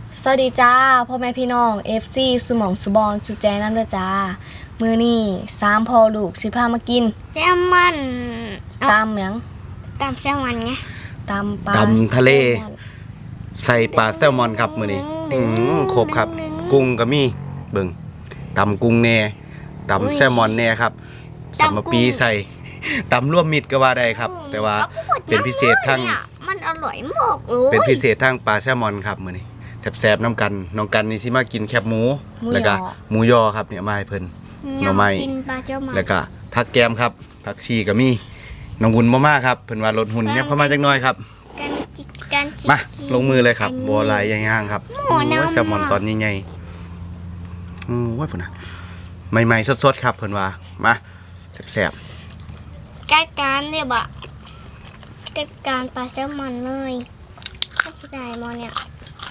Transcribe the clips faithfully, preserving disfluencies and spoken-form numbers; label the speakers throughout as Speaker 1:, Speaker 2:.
Speaker 1: สวัสดีจ้าพ่อแม่พี่น้อง เอฟ ซี สุหมองสุบอนสุแจน้ำด้วยจ้ามือนี่สามพอลูกสิพามากิน
Speaker 2: แซลมอน
Speaker 1: ตำหยัง
Speaker 2: ตำแซลมอนไง
Speaker 1: ตำปลา
Speaker 3: ตำทะเลใส่ปลาแซลมอนครับมื้อนี้อือครบครับกุ้งก็มีเบิ่งตำกุ้งแน่ตำแซลมอนแน่ครับสัมมปีใส่ตำรวมมิตรก็ว่าได้ครับแต่ว่าเป็นพิเศษทั้ง
Speaker 2: มันอร่อยมากเลย
Speaker 3: เป็นพิเศษทั้งปลาแซลมอนครับมื้อนี้แซ่บๆน้ำกันน้องกันนี่สิมากินแคบหมูแล้วก็หมูยอครับเนี่ยมาให้เพิ่นหน่อไม้แล้วก็ผักแกมครับผักชีก็มีน้องหุ่นบ่มาครับเพิ่นว่าลดหุ่นยับเข้ามาจักหน่อยครับมาลงมือเลยครับบ่หลายย่างๆครับโอ้ยแซลมอนตอนใหญ่ๆอือว่าพุ่นน่ะใหม่ๆสดๆครับเพิ่นว่ามาแซ่บ
Speaker 2: ๆจัดการเลยบ่จัดการปลาแซลมอนเลยถ้าสิได้มอเนี่ย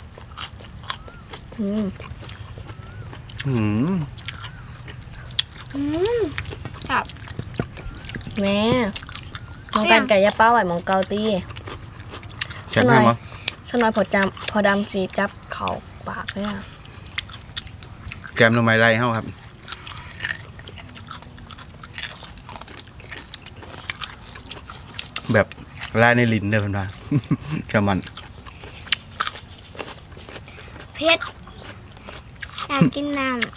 Speaker 1: อืม
Speaker 3: อืม
Speaker 2: อืมครับ
Speaker 1: แม่มองกันไก่ยาเป้าไหวมองเกาตี
Speaker 3: แซ่บแม่มั้ง
Speaker 1: สนอยพอจำพอดำสีจับเข่าปากเลยอ่ะ
Speaker 3: แกมหน่อไม้ไล่เฮาครับแบบลายในลิ้นเด้อเพิ่นว่าแซลมอน
Speaker 2: เผ็ดอยากกินน้ำ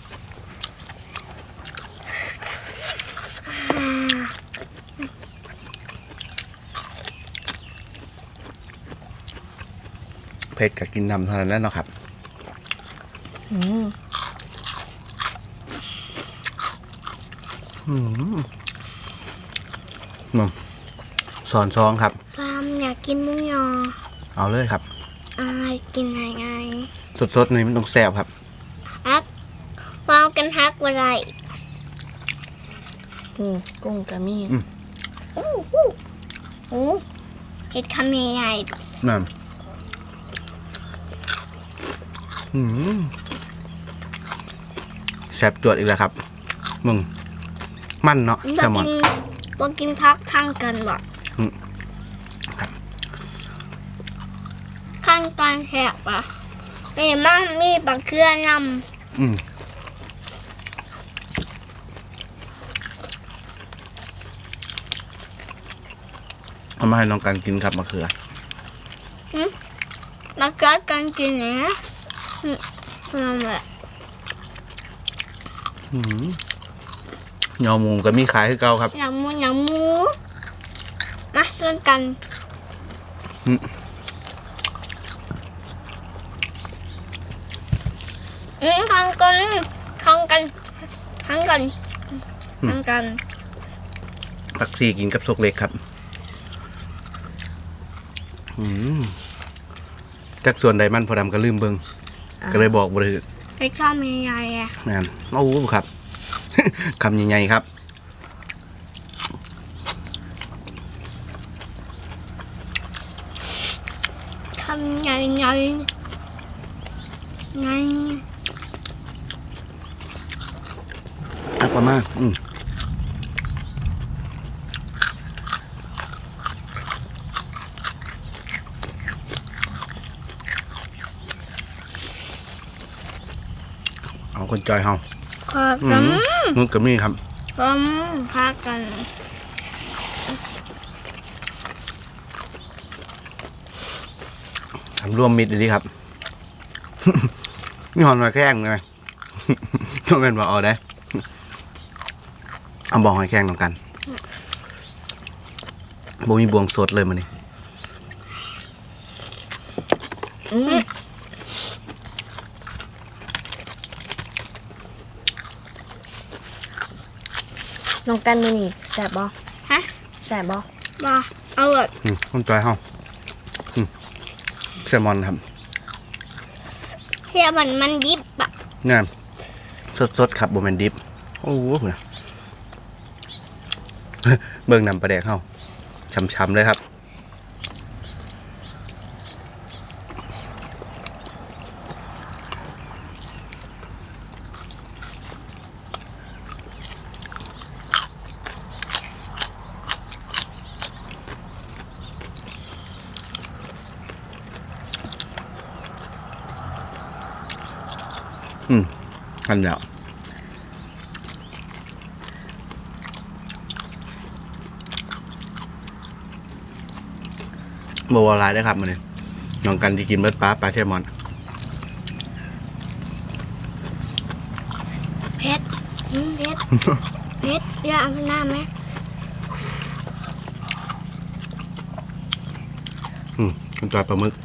Speaker 3: เผ็ดกับกินน้ำเท่านั้นแหละเนาะครับ
Speaker 1: อืม
Speaker 3: อืมมาสอนซองครับ
Speaker 2: ฟาร์มอยากกินหมูยอ
Speaker 3: เอาเลยครับ
Speaker 2: อายกินไงไง
Speaker 3: สดๆนี่มันต้องแซ่บครับ
Speaker 2: ฮักฟาร์มกันฮักอะไร
Speaker 1: อืมกุ้งกระมี่
Speaker 2: อู้หูโอ้เห็ดคำใหญ่
Speaker 3: ๆนั่นอืมแซ่บจวดอีกแล้วครับมึงมันเนาะแซลมอน
Speaker 2: บ่กินพักข้างกันบ่
Speaker 3: ครับ
Speaker 2: ข้างกันแหกป่ะมีมั่งมีปลาเครือนำ
Speaker 3: อืมเอามาให้น้องกันกินครับมะเขือ
Speaker 2: มะเขือกันกินเนี่ยนั่นแหละ
Speaker 3: ยอหมูก็มีขายให้เก่าครับ
Speaker 2: ยำหมูยำหมูมาเล่นกันอืมทางกันทางกันทางกันทางกัน
Speaker 3: ผักชีกินกับซกเล็กครับอืมจากส่วนใดมันพอดำก็ลืมเบิงก็เลยบอกบ่ได้
Speaker 2: ให้ข้าวใหญ่ๆอ่ะ
Speaker 3: นั่นโอ้ครับคำใหญ่ๆครับ
Speaker 2: คำใหญ่ๆใหญ่
Speaker 3: อ่ะประมาณอืมเอาคนจอยเฮา
Speaker 2: ขอกัน
Speaker 3: นุ่นกับมี่ครับ
Speaker 2: ผมพากัน
Speaker 3: ทำรวมมิตรดีครับนี่หอนมาแข้งเลยต้องเป็นว่าเอาได้เอาบองให้แข้งตรงกันโบมีบวงสดเลยมันนี่
Speaker 1: น้องกันมือนี่แสบบ่
Speaker 2: ฮะ
Speaker 1: แสบบ่
Speaker 2: บ่เอาเลย
Speaker 3: คนจอยเฮาแซลมอนครับ
Speaker 2: เฮียมันมันดิบอะ
Speaker 3: นี่สดๆครับโบแมนดิบโอ้โหเบิ่งนำปลาแดกเข้าช้ำๆเลยครับอืมอันเดียวบัวลายได้ครับมันนี่น้องกันที่กินเบิร์ดปลาปลาเทมอน
Speaker 2: เพชรอืมเพชร เพชรอย่าเอาหน้าไหม
Speaker 3: อืมคุณจอยปลาหมึก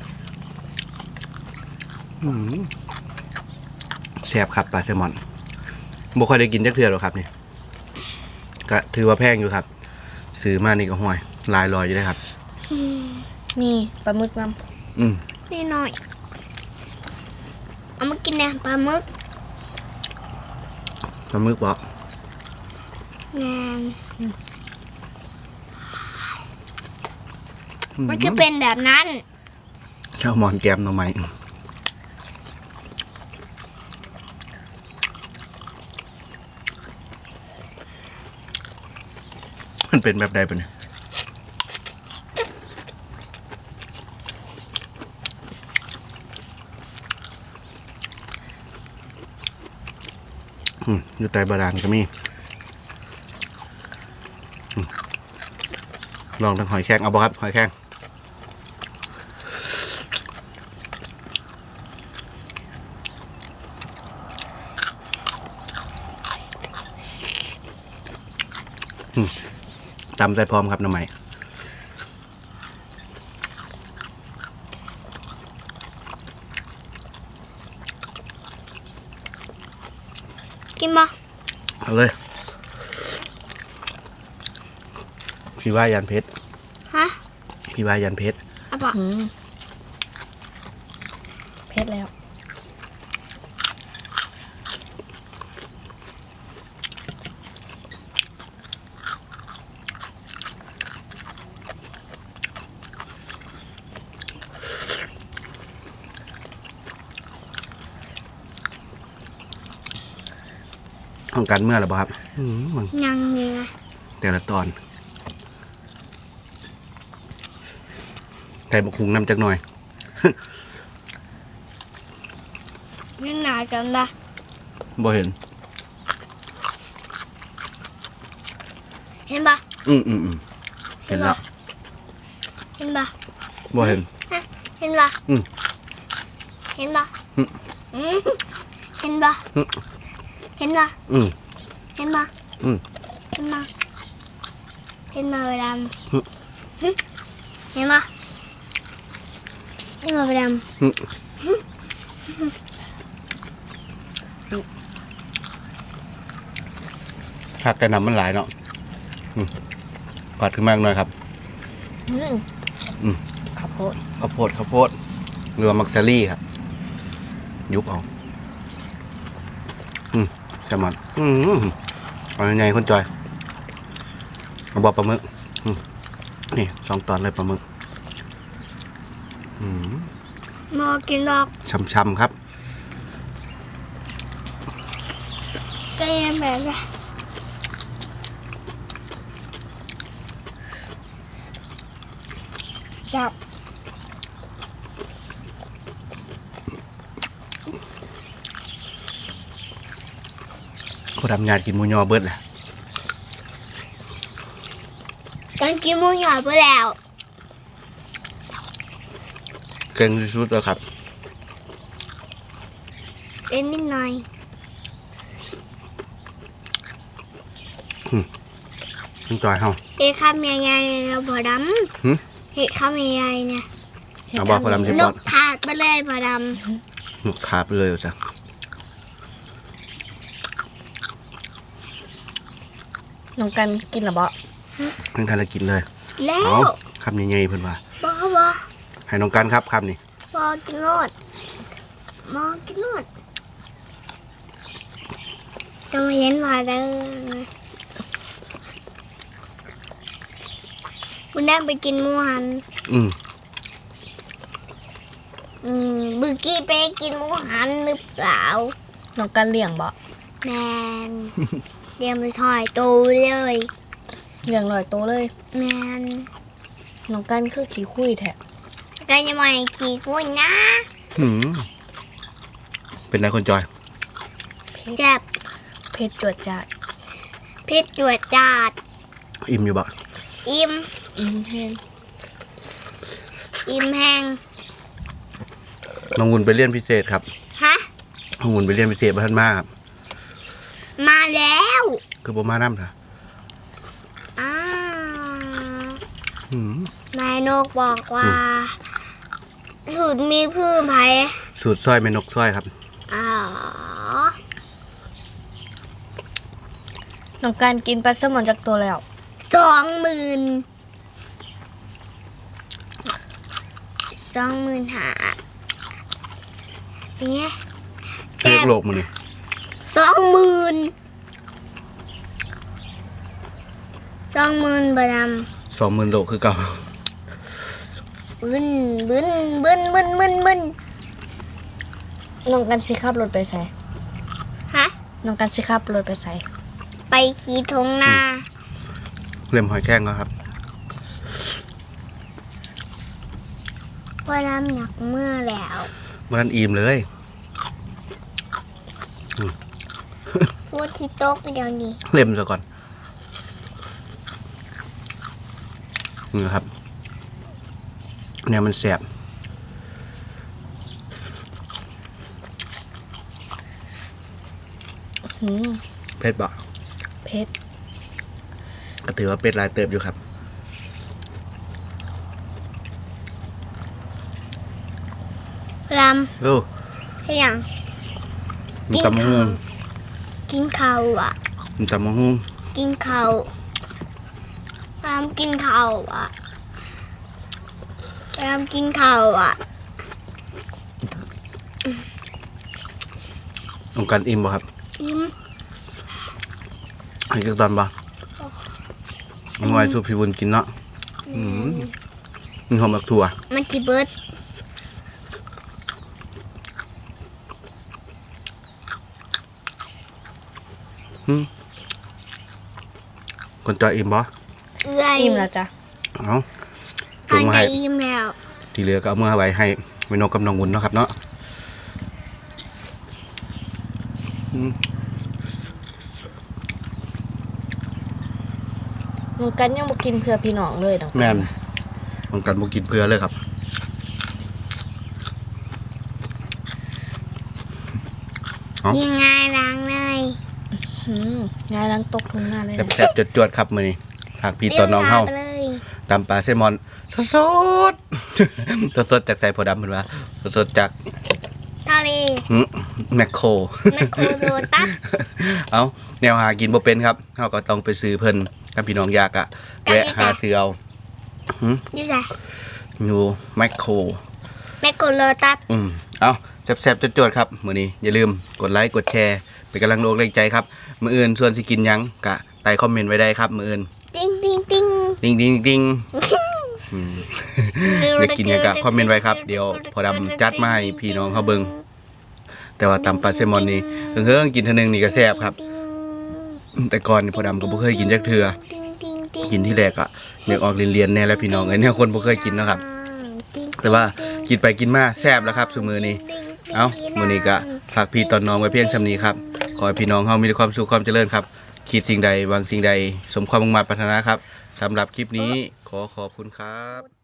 Speaker 3: อืมแซ่บครับปลาเทมอนบ่ค่อยได้กินจักเทื่อหรอกครับนี่ก็ถือว่าแพงอยู่ครับซื้อมานี่ก็ห่วยลายลอยอยู่ได้ครับ
Speaker 2: อืม
Speaker 1: นี่ปลาหมึกน
Speaker 3: อืม
Speaker 2: นี่หน่อยเอามากินเนี่ยปลาหมึก
Speaker 3: ปลาหมึกบ่
Speaker 2: งานมันจะเป็นแบบนั้น
Speaker 3: เช่ามอนแกมหน่อไม้มันเป็นแบบใดปะเนี่ยอืมอยู่ใต้บาดาลก็มีอืมลองทั้งหอยแครงเอาบ่ครับหอยแครงอืมตำใส่พร้อมครับหน้ำใหม่
Speaker 2: กินบ่
Speaker 3: เอาเลยพี่ว่ายันเพชร
Speaker 2: ฮะ
Speaker 3: พี่ว่ายันเพชร
Speaker 2: เอาบ่
Speaker 1: ำอืมเพชรแล้ว
Speaker 3: ต้องการเมื่อหรือเปล่าครับอืมมึง
Speaker 2: ยังไง
Speaker 3: แต่ละตอนไก่บกหุงน้ำจักหน่อย
Speaker 2: นี่หนาจังละ
Speaker 3: บ่เห็น
Speaker 2: เห็นบ่
Speaker 3: อืมอืมอืมเห็นแล้ว
Speaker 2: เห็นบ่
Speaker 3: บ่เห็น
Speaker 2: ฮะเห็นบ่
Speaker 3: อืม
Speaker 2: เห็นบ่
Speaker 3: อืม
Speaker 2: อืมเห็นบ่
Speaker 3: อืม
Speaker 2: เห็นบ่
Speaker 3: อืม
Speaker 2: เห็นบ่
Speaker 3: อืม
Speaker 2: เห็นบ่เห็นบ่ด
Speaker 3: อืม
Speaker 2: ำหึเห็นบ่เห็นบ่ด
Speaker 3: อืมผักไก่น้ำมันหลายเนาะอืมกอดขึ้นมากหน่อยครับ
Speaker 1: อืม
Speaker 3: อืม
Speaker 1: ข้าวโพด
Speaker 3: ข้าวโพดข้าวโพดหรือว่ามักซารี่ครับ ยุบเอาอืมแซลมอนอืมเอาใหญ่ๆคนจอยเอาบอกปลาหมึกอืมนี่สองตอนเลยปลาหมึกอืม
Speaker 2: ำมอกินดอก
Speaker 3: ช่ำๆครับ
Speaker 2: ก็ยังแบบว่า จับ
Speaker 3: เขาทำงานกินหมูยอเบิดแหละ
Speaker 2: กันกินหมูหยอดไปแล้ว
Speaker 3: เก่งที่สุดแล้วครับ
Speaker 2: เล่นนิดหน่อย
Speaker 3: คุณจอยเฮา
Speaker 2: เห็ดคำใหญ่ๆเนี่ยเราบ่ด
Speaker 3: หึ
Speaker 2: ำเห็ดคำใหญ่ๆเนี่ย
Speaker 3: เอาบอกเขาทำที่
Speaker 2: น
Speaker 3: บอก
Speaker 2: กขาดไปเลยบ่ด
Speaker 3: นกขาไปเลยจ้ะ
Speaker 1: น้องกันกินหรือเปล่า
Speaker 3: เพิ่งทานแล้วกินเลย
Speaker 2: ำแล้
Speaker 3: เอา
Speaker 2: ว
Speaker 3: คำใหญ่ๆเพิ่นว่า
Speaker 2: บ่บ่
Speaker 3: ให้น้องกันครับคำนี้
Speaker 2: บ่กินโลดบ่กินโลดจะมาเห็นว่าเด้อคุณแดงไปกินหมูหัน
Speaker 3: อืม
Speaker 2: อืมบึกกี้ไปกินหมูหันหรือเปล่า
Speaker 1: น้องกันเลี้ยงบ่
Speaker 2: แมน เดี๋ยวมาถอยโตเลย
Speaker 1: เลี้ยงลอยโตเลย
Speaker 2: แมน
Speaker 1: น้องกันคือขี้คุยแท้
Speaker 2: ก็จะมาขี่คุยนะ
Speaker 3: อืมเป็นไรคนจอย
Speaker 2: แซ่บ
Speaker 1: เผ็ดจวดจัด
Speaker 2: เผ็ดจวดจาด
Speaker 3: อิ่มอยู่บ่
Speaker 2: อิ่ม
Speaker 1: อืมแห้ง
Speaker 2: อิ่มแห้ง
Speaker 3: น้องวุ่นไปเรียนพิเศษครับ
Speaker 2: ฮะ
Speaker 3: น้องวุ่นไปเรียนพิเศษบ่ทันมาครับ
Speaker 2: มาแล้ว
Speaker 3: คือบ่มานำค่ะ
Speaker 2: อ้า
Speaker 3: อืม
Speaker 2: นายนกบอกว่าสูตรมีพืชไผ่
Speaker 3: สูตรซอยแม่นกซอยครับ
Speaker 2: อ๋อ
Speaker 1: น้องการกินปลาแซลมอนจากตัวแล้ว
Speaker 2: สองหมื่นสองหมื่นหาเนี่ย
Speaker 3: เลือกโลกมื้อนี้
Speaker 2: สองหมื่นสองหมื่นบาท
Speaker 3: สองหมื่นโลคือเก่า
Speaker 2: บึ้นบึ้นบึ้นบึ้นบึ้นบึ้น
Speaker 1: น้องกันสิขับรถไปใส่
Speaker 2: ฮะ
Speaker 1: น้องกันสิขับรถไปใส่
Speaker 2: ไปขี่ทงนา
Speaker 3: เล่มหอยแครงก็ครับ
Speaker 2: ว่าน้ำหนักเมื่อแล้ว
Speaker 3: บ่ทันอิ่มเลย
Speaker 2: พูดที่โต๊ะเดี๋ยวนี้
Speaker 3: เล่มซะก่อนนี่นะครับเนี่ยมันแสบ
Speaker 1: หืม
Speaker 3: เผ็ดบ่
Speaker 1: เผ็ด
Speaker 3: ก็ถือว่าเป็ดลายเติบอยู่ครับ
Speaker 2: ร
Speaker 3: โอ้
Speaker 2: ำให้ยัง
Speaker 3: มีตำมะฮุ่ง
Speaker 2: กินข้าวอ่ะ
Speaker 3: มีตำมะฮุ่ง
Speaker 2: กินข้าวรำกินข้าวอ่ะรำกินข้าวอ่ะ
Speaker 3: ต้องการอิ่มบ่ครับ
Speaker 2: อิ่ม
Speaker 3: อันนี้ก็ตอนบ่เอาไว้สู้พี่วุ้นกินเนาะอืมมีหอมบักถั่ว
Speaker 2: มันจีเบิด
Speaker 3: คนจอยอิ่มบ่
Speaker 2: เอื้อย
Speaker 1: อิ่มแล้วจ้ะ
Speaker 3: เอา
Speaker 2: อั
Speaker 3: ส่ง
Speaker 2: น
Speaker 3: มา
Speaker 2: จะ
Speaker 3: ให้
Speaker 2: อิ่มแล้ว
Speaker 3: ที่เหลือก็เอามื่อไว้ให้แม่นกกับน้องวุ้นเนาะครับเนาะอืม
Speaker 1: น้องกันยังบ่กินเพื่อพี่น้องเลยน้อง
Speaker 3: แม่นต้องการบ่กินเพื่อเลยครับ เอ้า
Speaker 2: ยังไงล้างเลย
Speaker 1: หืมงายล้างตกทุ่งหน้าเลยนะ
Speaker 3: แซ่บๆจวดๆครับมื้อนี้หากพี่ตอนน้องเฮา
Speaker 2: ไปเลย
Speaker 3: ตำปลาแซลมอนสดๆ สดๆจากไซโพดำเพิ่นว่าสดๆจาก
Speaker 2: ทะเล
Speaker 3: หืมแมคโคร
Speaker 2: แมคโครโดตัส
Speaker 3: เอาแนวหากินบ่เป็นครับเฮาก็ต้องไปซื้อเพิ่นถ้าพี่น้องอยากอะแวะหาซื้อเอาหืม
Speaker 2: นี่ไง
Speaker 3: อยู่แมคโคร
Speaker 2: แมคโครโดตัส
Speaker 3: อืมเอาแซ่บๆจวดๆครับมื้อนี้อย่าลืมกดไลค์กดแชร์เป็นกำลังแรงใจครับมื้ออื่นส่วนสิกินหยังก็ใต้คอมเมนต์ไว้ได้ครับมื้ออื่น
Speaker 2: ติ้งติ้งติ้ง
Speaker 3: ดิงดิงดิงอืมอยากกินหยังก็คอมเมนต์ไว้ครับเดี๋ยวพอดำจัดมาให้พี่น้องเฮาเบิ่งแต่ว่าตำปลาแซลมอนนี่เฮิงๆกินเทื่อนึงนี่ก็แซ่บครับ แต่ก่อนนี่พอดำก็บ่เคยกินจักเทื่อ
Speaker 2: ติ้งติ้งติ้ง
Speaker 3: กินที่แรกอะอยากออกเรียนๆแน่แล้วพี่น้องเอ้ยเนี่ยคนบ่เคยกินเนาะครับ แต่ว่ากินไปกินมาแซ่บแล้วครับซุมื้อนี้เอ้ามื้อนี้ก็ฝากพี่ตอนน้องไว้เพียงส่ำนี้ครับขอให้พี่น้องเฮามีแต่ความสุขความเจริญครับคิดสิ่งใดหวังสิ่งใดสมความมุ่งมั่นปรารถนาครับสำหรับคลิปนี้ขอขอบคุณครับ